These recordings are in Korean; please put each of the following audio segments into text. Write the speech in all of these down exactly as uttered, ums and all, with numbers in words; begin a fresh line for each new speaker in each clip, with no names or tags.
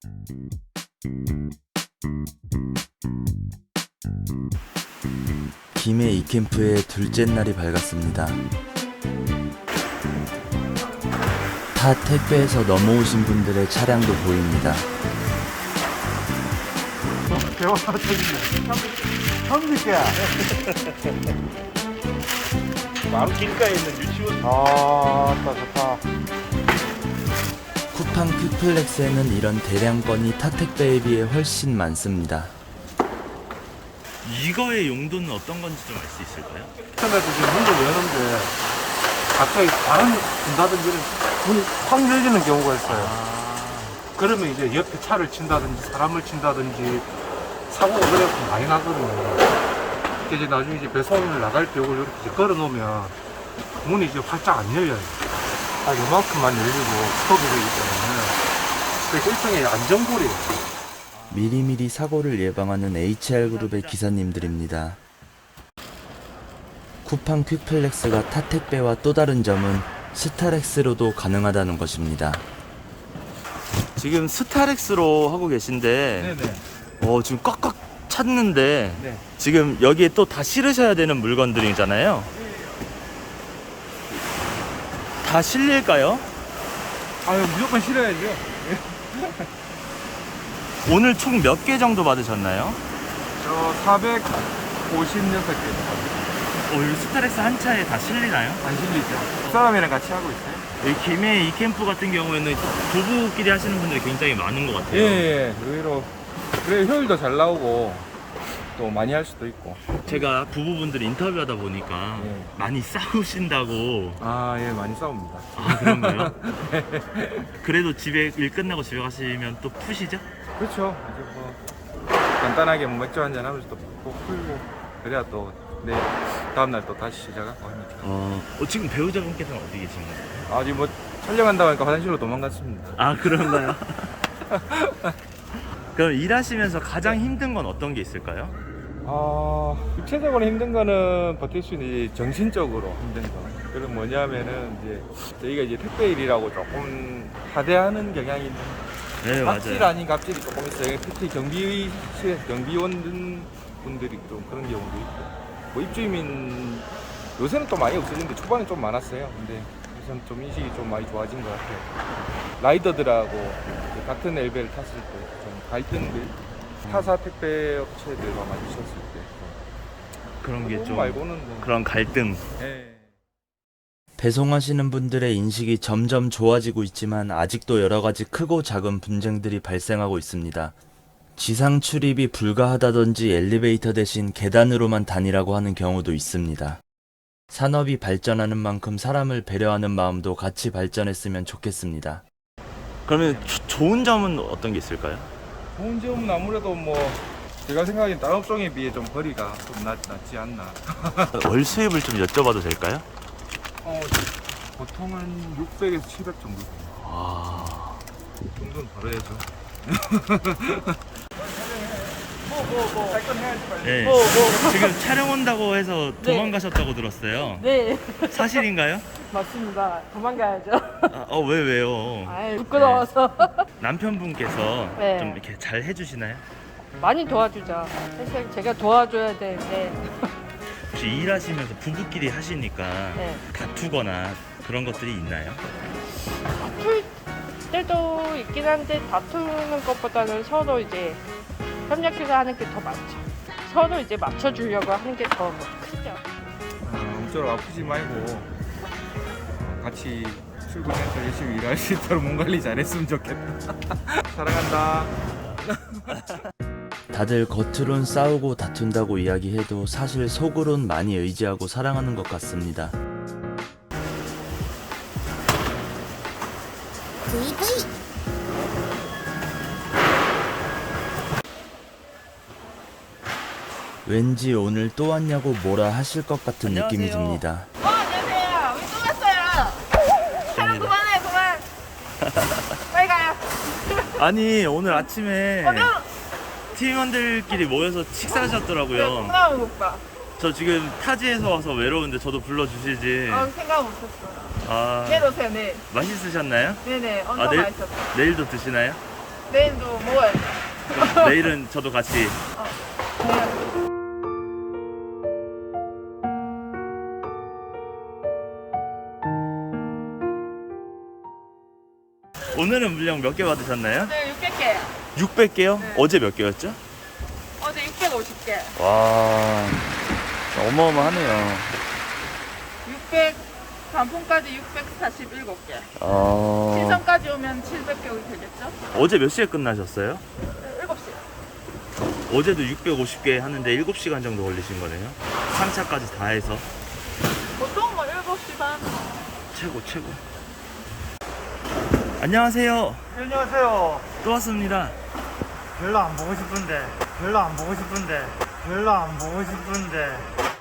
김해 이캠프의 둘째 날이 밝았습니다. 타 택배에서 넘어오신 분들의 차량도 보입니다.
대화 터지네. 형님께.
바로 길가에 있는 유치원.
아, 좋다, 좋다.
쿠팡 퀵플렉스에는 이런 대량건이 타 택배에 비해 훨씬 많습니다.
이거의 용도는 어떤 건지 좀 알 수 있을까요?
처음에도 지금 문을 여는데 갑자기 바람이 분다든지 문이 확 열리는 경우가 있어요. 그러면 이제 옆에 차를 친다든지 사람을 친다든지 사고가 그래서 많이 나거든요. 이렇게 이제 나중에 이제 배송을 나갈 때 이걸 이렇게 이제 걸어 놓으면 문이 이제 활짝 안 열려요. 아, 요만큼만 열리고 스톱이 되기 때문에 그래서 일종의 안전고리예요.
미리미리 사고를 예방하는 에이치알그룹의 기사님들입니다. 쿠팡 퀵플렉스가 타 택배와 또 다른 점은 스타렉스로도 가능하다는 것입니다.
지금 스타렉스로 하고 계신데
네네.
어, 지금 꽉꽉 찼는데
네.
지금 여기에 또 다 실으셔야 되는 물건들이잖아요. 다 실릴까요?
아유, 무조건 실어야죠.
오늘 총 몇 개 정도 받으셨나요?
저 사백오십육 개
어, 이 스타렉스 한 차에 다 실리나요?
안 실리죠. 사람이랑 같이 하고 있어요.
이 김해 이 캠프 같은 경우에는 부부끼리 하시는 분들이 굉장히 많은 것 같아요.
예, 예, 의외로. 그래, 효율도 잘 나오고, 또 많이 할 수도 있고.
제가 부부분들 인터뷰하다 보니까
예.
많이 싸우신다고.
아, 예, 많이 싸웁니다.
아, 그런가요? 그래도 집에 일 끝나고 집에 가시면 또 푸시죠?
그렇죠. 이제 뭐, 간단하게 뭐 맥주 한잔 하면서 또 푹 풀고, 그래야 또, 네, 다음날 또 다시 시작하고 합니다.
어, 어, 지금 배우자분께서는 어디 계신 거예요?
아직 뭐, 촬영한다고 하니까 화장실로 도망갔습니다.
아, 그런가요? 그럼 일하시면서 가장 힘든 건 어떤 게 있을까요?
아, 육체적으로 힘든 거는 버틸 수 있는 이제 정신적으로 힘든 거. 그건 뭐냐면은 이제 저희가 이제 택배 일이라고 조금 하대하는 경향이 있는.
네,
갑질
맞아요.
아닌 갑질이 조금 있어요. 특히 경비 경비원 분들이 좀 그런 경우도 있고. 뭐 입주민 요새는 또 많이 없어졌는데 초반에 좀 많았어요. 근데 요새는 좀 인식이 좀 많이 좋아진 것 같아요. 라이더들하고 같은 엘베를 탔을 때 좀 갈등들. 타사 택배 업체들과 마주쳤을 때
그런 게
그거
좀
말고는 뭐.
그런 갈등.
예.
배송하시는 분들의 인식이 점점 좋아지고 있지만 아직도 여러 가지 크고 작은 분쟁들이 발생하고 있습니다. 지상 출입이 불가하다든지 엘리베이터 대신 계단으로만 다니라고 하는 경우도 있습니다. 산업이 발전하는 만큼 사람을 배려하는 마음도 같이 발전했으면 좋겠습니다.
그러면 조- 좋은 점은 어떤 게 있을까요?
좋은 점은 아무래도 뭐 제가 생각하기엔 다른 업종에 비해 좀 거리가 좀 낮, 낮지 않나.
월 수입을 좀 여쭤봐도 될까요?
어, 보통은 육백에서 칠백 정도 됩니다.
아,
그 정도는 벌어야죠. 뭐, 뭐, 뭐. 할 건 해야지, 빨리.
네.
뭐, 뭐.
지금 촬영 온다고 해서 도망가셨다고 들었어요.
네,
사실인가요?
맞습니다. 도망가야죠.
아, 어, 왜 왜요?
아이, 부끄러워서.
남편분께서
네.
좀 이렇게 잘 해주시나요?
많이 도와주죠. 사실 제가 도와줘야 되는데.
혹시 일하시면서 부부끼리 하시니까
네.
다투거나 그런 것들이 있나요?
다툴 때도 있긴 한데 다투는 것보다는 서로 이제 협력해서 하는 게 더 많죠. 서로 이제 맞춰주려고 하는 게 더 크죠.
어, 엄청 아프지 말고 같이 출근해서 열심히 일할 수 있도록 몸 관리 잘했으면 좋겠다. 사랑한다.
다들 겉으론 싸우고 다툰다고 이야기해도 사실 속으론 많이 의지하고 사랑하는 것 같습니다. 왠지 오늘 또 왔냐고 뭐라 하실 것 같은 느낌이
안녕하세요.
듭니다.
어, 안녕하세요. 왜 또 왔어요? 촬영 그만해, 그만. 빨리 가요.
아니 오늘 아침에
어, 너
팀원들끼리 모여서
왜
식사하셨더라고요.
콩나물 못 봐?
저 지금 타지에서 와서 외로운데 저도 불러주시지.
어, 생각 못했어.
아,
내일 오세요, 내일.
맛있으셨나요?
네네,
아,
엄청
내일-
맛있었어.
내일도 드시나요?
내일도 먹어야죠.
그럼 내일은 저도 같이. 오늘은 물량 몇 개 받으셨나요?
네, 육백 개요.
육백 개요?
네.
어제 몇 개였죠?
어제 육백오십 개.
와, 어마어마하네요.
육백, 단풍까지 육백사십칠 개.
어...
신선까지 오면 칠백 개 되겠죠?
어제 몇 시에 끝나셨어요?
네, 일곱 시.
어제도 육백오십 개 하는데 일곱 시간 정도 걸리신 거네요. 삼 차까지 다 해서.
보통 뭐 일곱 시 반.
최고, 최고. 안녕하세요.
안녕하세요.
또 왔습니다.
별로 안 보고 싶은데, 별로 안 보고 싶은데, 별로 안 보고 싶은데.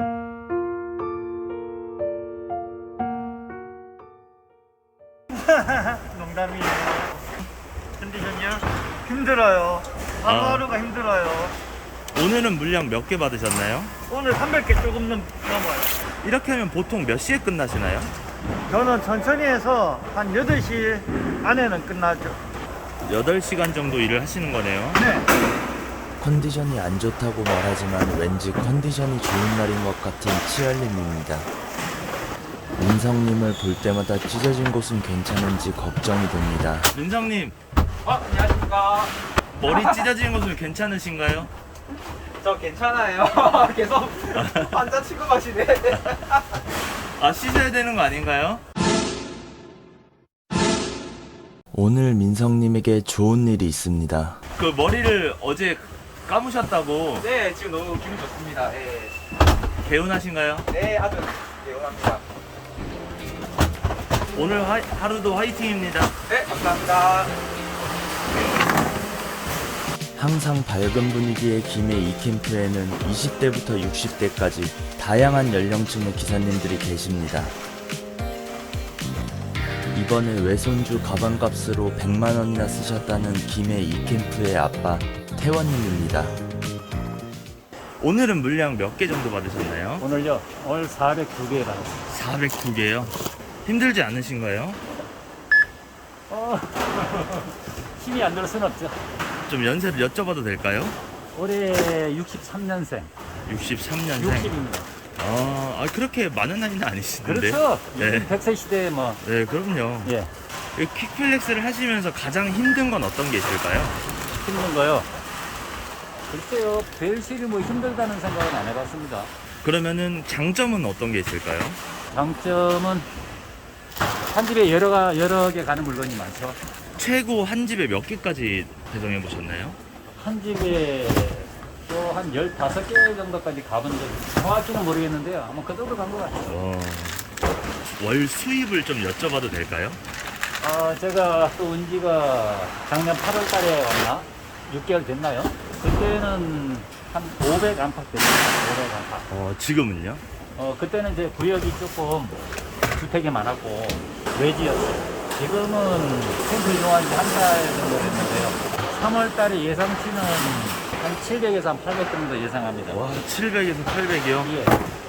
농담이에요. 컨디션이요? 힘들어요. 하루하루가 힘들어요.
오늘은 물량 몇 개 받으셨나요?
오늘 삼백 개 조금 넘, 넘어요.
이렇게 하면 보통 몇 시에 끝나시나요?
저는 천천히 해서 한 여덟 시 안에는 끝나죠.
여덟 시간 정도 일을 하시는 거네요.
네.
컨디션이 안 좋다고 말하지만 왠지 컨디션이 좋은 날인 것 같은 치열님입니다. 민성님을 볼 때마다 찢어진 곳은 괜찮은지 걱정이 됩니다.
민성님,
어, 안녕하십니까.
머리 찢어진 곳은 괜찮으신가요?
저 괜찮아요. 계속 환자 취급하시네.
아, 씻어야 되는 거 아닌가요?
오늘 민성님에게 좋은 일이 있습니다.
그 머리를 어제 감으셨다고.
네, 지금 너무 기분 좋습니다. 네,
개운하신가요?
네 아주 개운합니다.
오늘 하, 하루도 화이팅입니다.
네, 감사합니다.
항상 밝은 분위기의 김해 이 캠프에는 이십 대부터 육십 대까지 다양한 연령층의 기사님들이 계십니다. 이번에 외손주 가방값으로 백만 원이나 쓰셨다는 김해 이 캠프의 아빠 태원님입니다.
오늘은 물량 몇 개 정도 받으셨나요?
오늘요? 오늘 사백두 개 받았어요.
사백두 개요. 힘들지 않으신가요?
어, 힘이 안 들을 수는 없죠.
좀 연세를 여쭤봐도 될까요?
올해 육십삼 년생.
육십삼 년생.
육십입니다.
아, 아, 그렇게 많은 나이는 아니시는데.
그렇죠.
네.
요즘 백 세 시대에 뭐,
네, 그럼요.
예,
이 퀵플렉스를 하시면서 가장 힘든 건 어떤 게 있을까요?
힘든 거요. 글쎄요, 벨실이 뭐 힘들다는 생각은 안 해봤습니다.
그러면은 장점은 어떤 게 있을까요?
장점은 한 집에 여러, 가, 여러 개 가는 물건이 많죠.
최고 한 집에 몇 개까지 배송해 보셨나요?
한 집에 또 한 열다섯 개 정도까지 가본 적이 정확히는 모르겠는데요. 아마 그 정도 간 것 같아요.
어, 월 수입을 좀 여쭤봐도 될까요?
어, 제가 또 온 지가 작년 팔월 달에 왔나? 육 개월 됐나요? 그때는 한 오백 안팎 됐어요. 오백 안팎.
어, 지금은요?
어, 그때는 이제 구역이 조금 주택이 많았고 외지였어요. 지금은 캠프 이동한 지 한 달 정도 됐는데요. 삼월 달에 예상치는 한 칠백에서 한 팔백 정도 예상합니다.
와, 칠백에서 팔백이요?
예,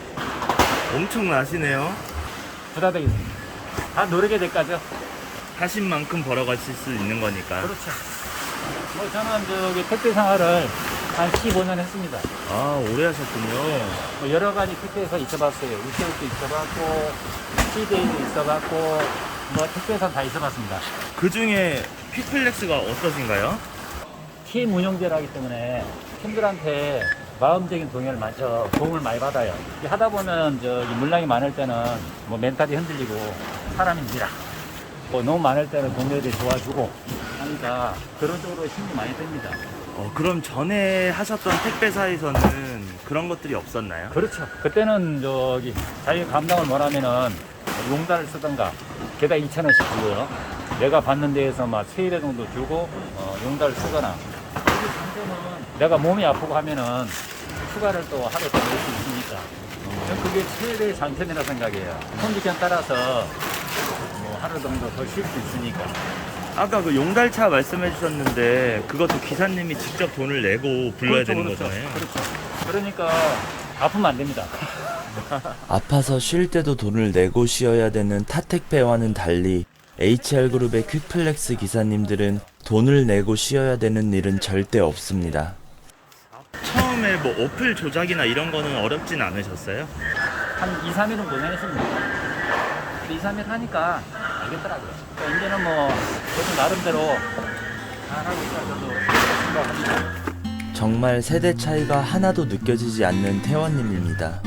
엄청나시네요.
부담되겠습니다. 다 노력의 대가죠.
하신 만큼 벌어가실 수 있는 거니까.
그렇죠. 뭐 저는 저기 택배 생활을 한 십오 년 했습니다.
아, 오래 하셨군요.
뭐 여러 가지 택배에서 있어봤어요. 우체국도 있어봤고, 시데이도 있어봤고, 뭐 택배에서 다 있어봤습니다.
그 중에 퀵플렉스가 어떠신가요?
팀 운영제라기 때문에 팀들한테 마음적인 동요를 많이, 저, 도움을 많이 받아요. 이렇게 하다 보면 저기 물량이 많을 때는 뭐 멘탈이 흔들리고 사람입니다. 뭐 너무 많을 때는 동료들이 도와주고 하니까 그런 쪽으로 힘이 많이 듭니다.
어, 그럼 전에 하셨던 택배사에서는 그런 것들이 없었나요?
그렇죠. 그때는 저기 자기 감당을 못하면은 용달을 쓰던가 개당 이천 원씩 주고요. 내가 받는 데에서 막 세 배 정도 주고 어, 용달을 쓰거나. 그리고 장점은 내가 몸이 아프고 하면은 휴가를 또 하루 더 낼 수 있으니까. 저는 그게 최대의 장점이라 생각해요. 컨디션 따라서 뭐 하루 정도 더 쉴 수 있으니까.
아까 그 용달차 말씀해 주셨는데 그것도 기사님이 직접 돈을 내고 불러야
그렇죠,
되는
그렇죠.
거잖아요.
그렇죠. 그러니까 아프면 안 됩니다.
아파서 쉴 때도 돈을 내고 쉬어야 되는 타택배와는 달리 에이치알그룹의 퀵플렉스 기사님들은 돈을 내고 쉬어야 되는 일은 절대 없습니다.
처음에 뭐 어플 조작이나 이런 거는 어렵진 않으셨어요?
한 이, 삼 일은 고생했습니다. 이, 삼 일 하니까 알겠더라고요. 그러니까 이제는 뭐 저도 나름대로 잘하고 있다고 생각합니다.
정말 세대 차이가 하나도 느껴지지 않는 태원님입니다.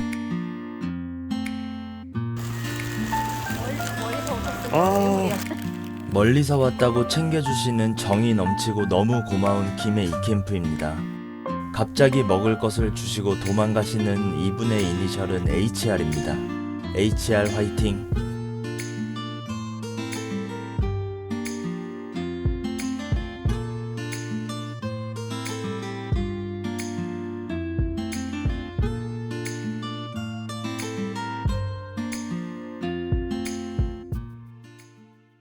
아,
멀리서 왔다고 챙겨주시는 정이 넘치고 너무 고마운 김해 이캠프입니다. 갑자기 먹을 것을 주시고 도망가시는 이분의 이니셜은 에이치알입니다. 에이치알 화이팅!